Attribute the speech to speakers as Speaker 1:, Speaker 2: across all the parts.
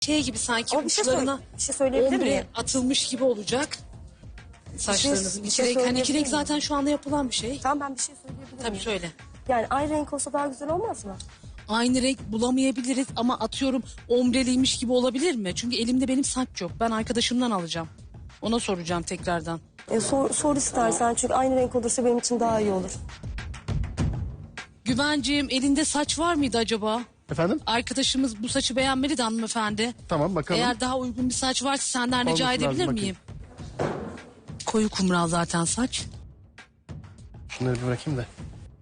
Speaker 1: Şey gibi sanki
Speaker 2: Ama bir şey,
Speaker 1: uçlarına
Speaker 2: bir şey söyleyebilir
Speaker 1: ombre
Speaker 2: miyim?
Speaker 1: atılmış gibi olacak saçlarınızın.
Speaker 2: bir
Speaker 1: İki
Speaker 2: şey
Speaker 1: renk, hani
Speaker 2: söyleyebilir
Speaker 1: iki renk
Speaker 2: miyim?
Speaker 1: zaten şu anda yapılan bir şey.
Speaker 2: Tamam, ben bir şey söyleyebilir
Speaker 1: Tabii
Speaker 2: miyim?
Speaker 1: söyle.
Speaker 2: Yani aynı renk olsa daha güzel olmaz mı?
Speaker 1: Aynı renk bulamayabiliriz ama atıyorum ombreliymiş gibi olabilir mi? Çünkü elimde benim saç yok. Ben arkadaşımdan alacağım. Ona soracağım tekrardan.
Speaker 2: Sor istersen, çünkü aynı renk olursa benim için daha iyi olur.
Speaker 1: Güvenciğim, elinde saç var mıydı acaba?
Speaker 3: Efendim?
Speaker 1: Arkadaşımız bu saçı beğenmeli de hanımefendi.
Speaker 3: Tamam, bakalım.
Speaker 1: Eğer daha uygun bir saç varsa senden rica
Speaker 3: Olması
Speaker 1: edebilir
Speaker 3: lazım,
Speaker 1: miyim? Koyu kumral zaten saç.
Speaker 3: Şunları bir bırakayım da.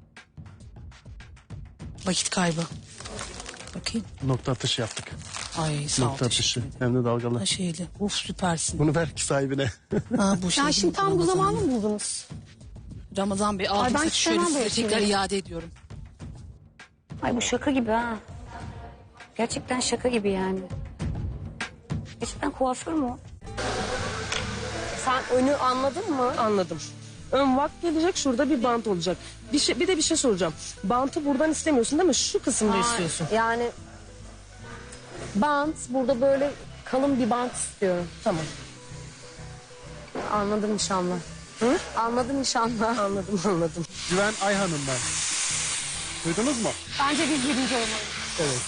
Speaker 1: Vakit kaybı. Bakayım.
Speaker 3: Nokta atışı yaptık.
Speaker 1: Ay sağ ol.
Speaker 3: Nokta atışı. Hem de dalgalı.
Speaker 1: Ha, şeyli. Of süpersin.
Speaker 3: Bunu ver ki sahibine.
Speaker 1: Ha, bu şey
Speaker 2: Ya
Speaker 1: değil
Speaker 2: şimdi
Speaker 1: mi?
Speaker 2: tam bu
Speaker 1: Ramazan
Speaker 2: zamanı
Speaker 1: Bey.
Speaker 2: mı buldunuz?
Speaker 1: Ramazan Bey aldım
Speaker 2: ben
Speaker 1: saçı şöyle
Speaker 2: istemem
Speaker 1: size
Speaker 2: böyle
Speaker 1: tekrar
Speaker 2: şeyleri.
Speaker 1: iade ediyorum.
Speaker 4: Ay bu şaka gibi ha. Gerçekten şaka gibi yani. Gerçekten kuaför mü o?
Speaker 2: Sen önü anladın mı?
Speaker 5: Anladım. Ön vak gelecek, şurada bir bant olacak. Bir de bir şey soracağım. Bantı buradan istemiyorsun değil mi? Şu kısımda istiyorsun.
Speaker 2: Yani bant, burada böyle kalın bir bant istiyorum.
Speaker 5: Tamam.
Speaker 2: Anladım inşallah. Hı? Anladım inşallah.
Speaker 5: Anladım.
Speaker 3: Güven Ayhan'ım ben. Duydunuz mu?
Speaker 2: Bence biz birinci olmalıyız.
Speaker 3: Evet.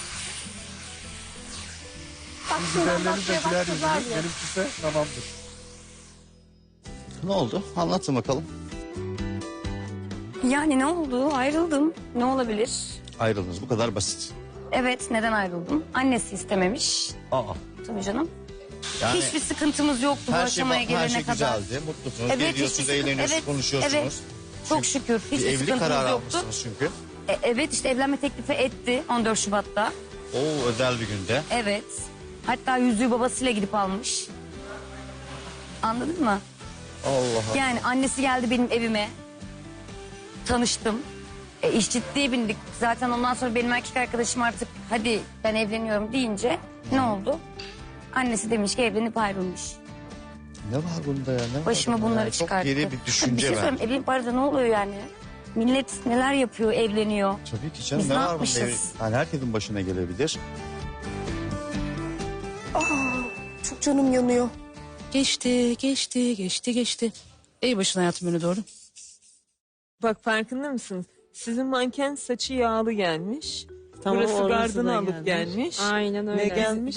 Speaker 2: Bak şuradan
Speaker 3: Güvenleri de
Speaker 2: bakmaya
Speaker 3: güler
Speaker 2: başladılar
Speaker 3: yüzlü.
Speaker 2: bile.
Speaker 3: Benimkisi de tamamdır.
Speaker 6: Ne oldu? Anlatın bakalım.
Speaker 4: Yani ne oldu? Ayrıldım. Ne olabilir?
Speaker 6: Ayrıldınız, bu kadar basit.
Speaker 4: Evet, neden ayrıldım? Annesi istememiş.
Speaker 6: Aa.
Speaker 4: Tabii canım.
Speaker 6: Yani
Speaker 4: Hiçbir sıkıntımız yoktu bu
Speaker 6: her
Speaker 4: aşamaya
Speaker 6: her
Speaker 4: gelene
Speaker 6: şey
Speaker 4: kadar.
Speaker 6: güzeldi, mutlusunuz,
Speaker 4: Evet,
Speaker 6: geliyorsunuz,
Speaker 4: hiçbir sıkıntı-
Speaker 6: eğleniyorsunuz,
Speaker 4: evet,
Speaker 6: konuşuyorsunuz.
Speaker 4: evet. Çok şükür.
Speaker 6: Bir
Speaker 4: Hiçbir
Speaker 6: evlilik
Speaker 4: sıkıntımız
Speaker 6: kararı
Speaker 4: yoktu.
Speaker 6: almışsınız çünkü.
Speaker 4: Evet işte evlenme teklifi etti 14 Şubat'ta.
Speaker 6: O özel bir günde.
Speaker 4: Evet. Hatta yüzüğü babasıyla gidip almış. Anladın mı?
Speaker 6: Allah Allah.
Speaker 4: Yani annesi geldi benim evime. Tanıştım. İş ciddiye bindik. Zaten ondan sonra benim erkek arkadaşım artık hadi ben evleniyorum deyince ne oldu? Annesi demiş ki evlenip ayrılmış.
Speaker 6: Ne var bunda ya? Ne var
Speaker 4: Başıma
Speaker 6: bunda
Speaker 4: bunları
Speaker 6: ya?
Speaker 4: çıkarttı.
Speaker 6: Çok geri bir
Speaker 4: Bir
Speaker 6: düşünce
Speaker 4: şey
Speaker 6: ben.
Speaker 4: söyleyeyim, evlenip arada ne oluyor yani? Millet neler yapıyor, evleniyor.
Speaker 6: Tabii ki canım,
Speaker 4: Biz
Speaker 6: ne
Speaker 4: ne
Speaker 6: var bunda?
Speaker 4: yapmışız?
Speaker 6: Yani herkesin başına gelebilir.
Speaker 2: Çok canım yanıyor.
Speaker 1: Geçti. Ey başın hayatım önüne doğru.
Speaker 5: Bak farkında mısınız? Sizin manken saçı yağlı gelmiş. Burası
Speaker 7: orası
Speaker 5: gardını
Speaker 7: da
Speaker 5: alıp gelmiş.
Speaker 7: Aynen öyle.
Speaker 5: Ne gelmiş?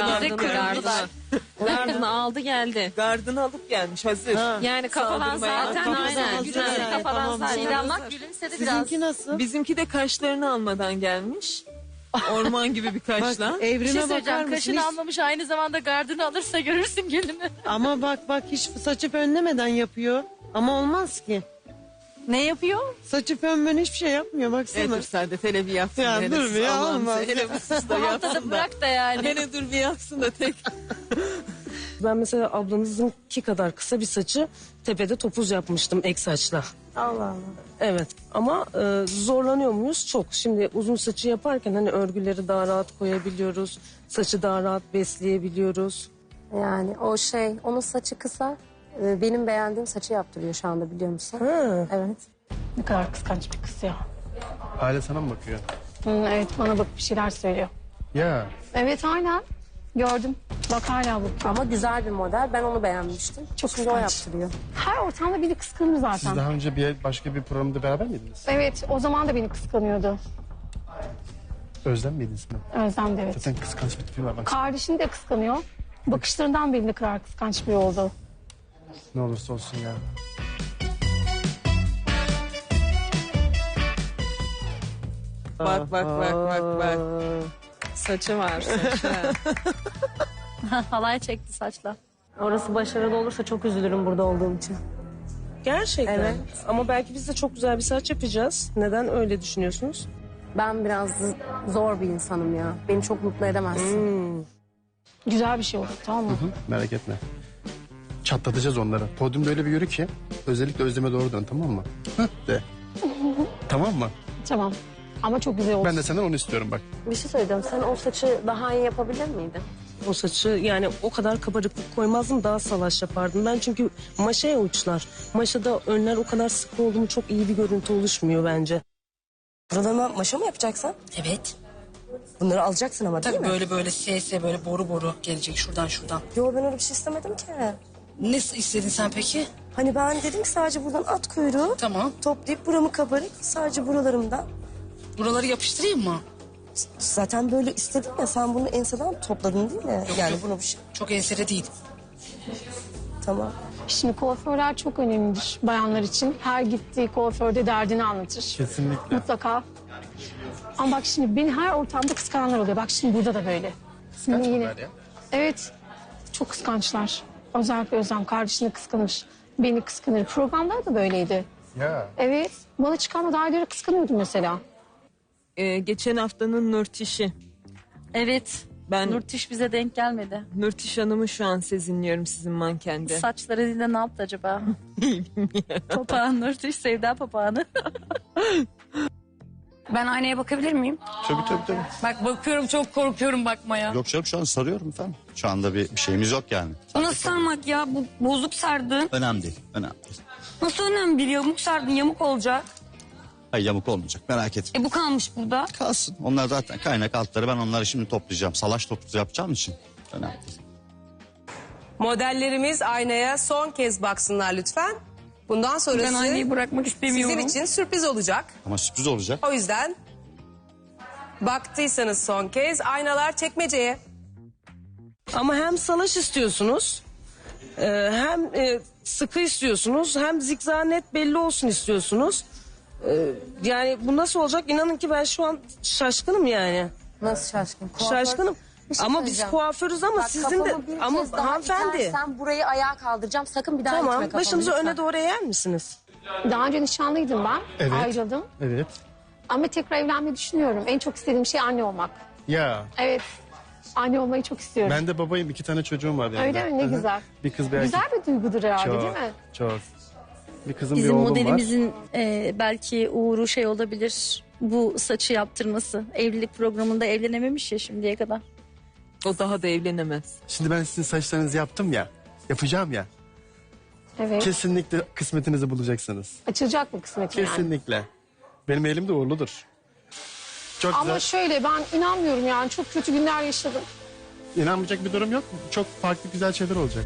Speaker 7: Gardını aldı geldi.
Speaker 5: Gardını alıp gelmiş hazır.
Speaker 7: Yani kafadan
Speaker 5: Saldırmaya
Speaker 7: zaten
Speaker 5: kafadan
Speaker 7: aynen.
Speaker 5: hazır.
Speaker 7: Güzel
Speaker 5: Evet,
Speaker 7: kafadan
Speaker 5: tamam,
Speaker 7: zaten.
Speaker 5: güzel.
Speaker 7: Ama gülümsedi biraz.
Speaker 8: Sizinki nasıl?
Speaker 5: Bizimki de kaşlarını almadan gelmiş. Orman gibi bir kaşla.
Speaker 7: Bir
Speaker 8: Evrime
Speaker 7: şey
Speaker 8: bakar
Speaker 7: söyleyeceğim.
Speaker 8: mısın?
Speaker 7: Kaşını
Speaker 8: Hiç-
Speaker 7: almamış aynı zamanda gardını alırsa görürsün gelini.
Speaker 8: Ama bak hiç saçı fönlemeden yapıyor. Ama olmaz ki.
Speaker 7: Ne yapıyor?
Speaker 8: Saçı fönmeden hiçbir şey yapmıyor baksana.
Speaker 5: Dur Saadet hele bir yapsın.
Speaker 8: Ya
Speaker 5: hele
Speaker 8: dur
Speaker 5: sus,
Speaker 8: bir ya,
Speaker 5: Allah'ım
Speaker 8: olmaz.
Speaker 5: sen, hele bir sus da
Speaker 7: Haftada
Speaker 5: yapsın da.
Speaker 7: bırak da yani.
Speaker 5: Hele dur bir yapsın da tek.
Speaker 8: Ben mesela ablanızınki kadar kısa bir saçı tepede topuz yapmıştım ek saçla.
Speaker 2: Allah Allah.
Speaker 8: Evet ama zorlanıyor muyuz? Çok. Şimdi uzun saçı yaparken hani örgüleri daha rahat koyabiliyoruz. Saçı daha rahat besleyebiliyoruz.
Speaker 2: Yani onun saçı kısa. Benim beğendiğim saçı yaptırıyor şu anda, biliyor musun?
Speaker 8: Ha.
Speaker 2: Evet.
Speaker 9: Ne kadar kıskanç bir kız ya.
Speaker 3: Aile sana mı bakıyor?
Speaker 9: Evet bana bak bir şeyler söylüyor.
Speaker 3: Ya.
Speaker 9: Evet aynen. Gördüm. Bak hala bakıyor.
Speaker 2: Ama güzel bir model. Ben onu beğenmiştim.
Speaker 9: Çok
Speaker 2: Şimdi o
Speaker 9: kıskanç.
Speaker 2: yaptırıyor.
Speaker 9: Her ortamda beni kıskanır zaten.
Speaker 3: Siz daha önce başka bir programda beraber miydiniz?
Speaker 9: Evet o zaman da beni kıskanıyordu.
Speaker 3: Özlem miydiniz mi?
Speaker 9: Özlem de evet.
Speaker 3: Zaten kıskanç bir tipi var. Bak
Speaker 9: Kardeşini de kıskanıyor. Bakışlarından belli ne kadar kıskanç biri oldu.
Speaker 3: ne olursa olsun ya.
Speaker 5: Bak. Saçı var saçı.
Speaker 7: Halay çekti saçla.
Speaker 2: Orası başarılı olursa çok üzülürüm burada olduğum için.
Speaker 8: Gerçekten.
Speaker 2: Evet.
Speaker 8: Ama belki biz de çok güzel bir saç yapacağız. Neden öyle düşünüyorsunuz?
Speaker 2: Ben biraz zor bir insanım ya. Beni çok mutlu edemezsin.
Speaker 9: Güzel bir şey oldu tamam mı?
Speaker 3: Hı, merak etme. Çatlatacağız onları. Podyumda öyle bir yürü ki özellikle Özlem'e doğru dön, tamam mı? Hı, de. Tamam mı?
Speaker 9: Tamam. Ama çok güzel oldu.
Speaker 3: Ben de senden onu istiyorum bak.
Speaker 2: Bir şey söyleyeceğim. Sen o saçı daha iyi yapabilir miydin?
Speaker 8: O saçı yani o kadar kabarıklık koymazdım, daha salaş yapardım. Ben çünkü maşaya uçlar. Maşada önler o kadar sık oldu mu çok iyi bir görüntü oluşmuyor bence.
Speaker 2: Buralarına maşa mı yapacaksın?
Speaker 1: Evet.
Speaker 2: Bunları alacaksın ama değil
Speaker 1: Tabii
Speaker 2: mi?
Speaker 1: böyle böyle SS böyle boru boru gelecek şuradan şuradan.
Speaker 2: Yo ben öyle bir şey istemedim ki.
Speaker 1: Ne istedin sen peki?
Speaker 2: Hani ben dedim ki sadece buradan at kuyruğu.
Speaker 1: Tamam.
Speaker 2: Toplayıp buramı kabarık sadece buralarımda.
Speaker 1: Buraları yapıştırayım mı?
Speaker 2: Zaten böyle istedim ya sen bunu enseden topladın değil mi? Yani
Speaker 1: yok.
Speaker 2: bunu bir şey.
Speaker 1: Çok ensere değil.
Speaker 2: Tamam.
Speaker 9: Şimdi kuaförler çok önemlidir bayanlar için. Her gittiği kuaförde derdini anlatır.
Speaker 3: Kesinlikle.
Speaker 9: Mutlaka. Ama bak şimdi beni her ortamda kıskananlar oluyor. Bak şimdi burada da böyle. Şimdi yine.
Speaker 3: ya.
Speaker 9: Evet. Çok kıskançlar. Özellikle Özlem kardeşini kıskanır. Beni kıskanır. Programlar da böyleydi.
Speaker 3: Ya.
Speaker 9: Evet. Bana çıkan adayları kıskanıyordum mesela.
Speaker 10: Geçen haftanın Nurtiş'i.
Speaker 7: Evet.
Speaker 10: Ben
Speaker 7: Nurtiş bize denk gelmedi.
Speaker 10: Nurtiş Hanım'ı şu an sezinliyorum sizin mankende.
Speaker 7: Saçları dile ne yaptı acaba? Papağan Nurtiş, Sevda papağanı.
Speaker 4: Ben aynaya bakabilir miyim?
Speaker 6: Tabii.
Speaker 4: Bak bakıyorum, çok korkuyorum bakmaya.
Speaker 6: Yok canım, şu an sarıyorum efendim. Şu anda bir şeyimiz yok yani.
Speaker 4: Bu nasıl sarmak ya? Bu bozuk sardın.
Speaker 6: Önemli değil, önemli değil.
Speaker 4: Nasıl önemli değil? Yamuk sardın, yamuk olacak.
Speaker 6: Hayır, yamuk olmayacak, merak etme.
Speaker 4: Bu kalmış burada.
Speaker 6: Kalsın. Onlar zaten kaynak altları, ben onları şimdi toplayacağım. Salaş toplu yapacağım için önemli değil.
Speaker 11: Modellerimiz aynaya son kez baksınlar lütfen. Bundan sonrası
Speaker 4: Ben aynayı bırakmak istemiyorum.
Speaker 11: sizin için sürpriz olacak.
Speaker 6: Ama sürpriz olacak.
Speaker 11: O yüzden baktıysanız son kez aynalar çekmeceye.
Speaker 8: Ama hem salaş istiyorsunuz, hem sıkı istiyorsunuz, hem zikzak net belli olsun istiyorsunuz. Yani bu nasıl olacak? İnanın ki ben şu an şaşkınım yani.
Speaker 2: Nasıl şaşkın?
Speaker 8: Şaşkınım.
Speaker 2: Bir şey
Speaker 8: Ama biz
Speaker 2: söyleyeceğim.
Speaker 8: kuaförüz ama
Speaker 2: Bak,
Speaker 8: sizin de
Speaker 2: kafamı bir
Speaker 8: ama
Speaker 2: kez daha
Speaker 8: hanımefendi.
Speaker 2: itersen burayı ayağa kaldıracağım. Sakın bir daha itme
Speaker 8: Tamam,
Speaker 2: kafamı
Speaker 8: başınızı
Speaker 2: lütfen.
Speaker 8: öne doğru eğer misiniz?
Speaker 9: Daha önce nişanlıydım ben.
Speaker 3: Evet.
Speaker 9: Ayrıldım.
Speaker 3: Evet.
Speaker 9: Ama tekrar evlenmeyi düşünüyorum. En çok istediğim şey anne olmak.
Speaker 3: Ya.
Speaker 9: Evet. Anne olmayı çok istiyorum.
Speaker 3: Ben de babayım. 2 tane çocuğum var yani.
Speaker 9: Öyle mi? Ne
Speaker 3: Hı hı.
Speaker 9: güzel.
Speaker 3: Bir kız bir erkek.
Speaker 9: Güzel bir duygudur herhalde
Speaker 3: Çok,
Speaker 9: değil mi?
Speaker 3: çok. Bir kızım bir
Speaker 7: Bizim
Speaker 3: oğlum var.
Speaker 7: modelimizin belki uğru şey olabilir. Bu saçı yaptırması. Evlilik programında evlenememiş ya şimdiye kadar.
Speaker 10: O daha da evlenemez.
Speaker 3: Şimdi ben sizin saçlarınızı yaptım ya. Yapacağım ya.
Speaker 9: Evet.
Speaker 3: Kesinlikle kısmetinizi bulacaksınız.
Speaker 9: Açılacak mı kısmet yani?
Speaker 3: Kesinlikle. Benim elim de uğurludur. Çok
Speaker 9: Ama
Speaker 3: güzel.
Speaker 9: şöyle ben inanmıyorum yani. Çok kötü günler yaşadım.
Speaker 3: İnanmayacak bir durum yok. Çok farklı güzel şeyler olacak.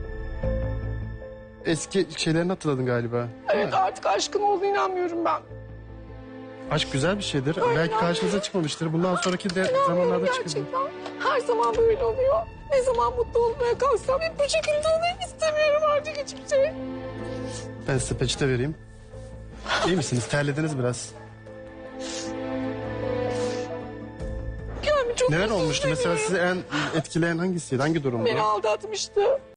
Speaker 3: Eski şeylerini hatırladın galiba. değil
Speaker 9: Evet
Speaker 3: mi?
Speaker 9: artık aşkın olduğunu inanmıyorum ben.
Speaker 3: Aşk güzel bir şeydir. Belki karşınıza çıkmamıştır. Bundan sonraki de zamanlarda çıkacak.
Speaker 9: Gerçekten. Her zaman böyle oluyor. Ne zaman mutlu olmaya kalksam hep bu şekilde olayım istemiyorum artık hiçbir şey.
Speaker 3: Ben size peçete vereyim. İyi misiniz? Terlediniz biraz.
Speaker 9: Yani çok
Speaker 3: Neler
Speaker 9: özür
Speaker 3: olmuştu? Mesela
Speaker 9: diliyorum.
Speaker 3: sizi en etkileyen hangisiydi? Hangi durumdu?
Speaker 9: Beni aldatmıştı.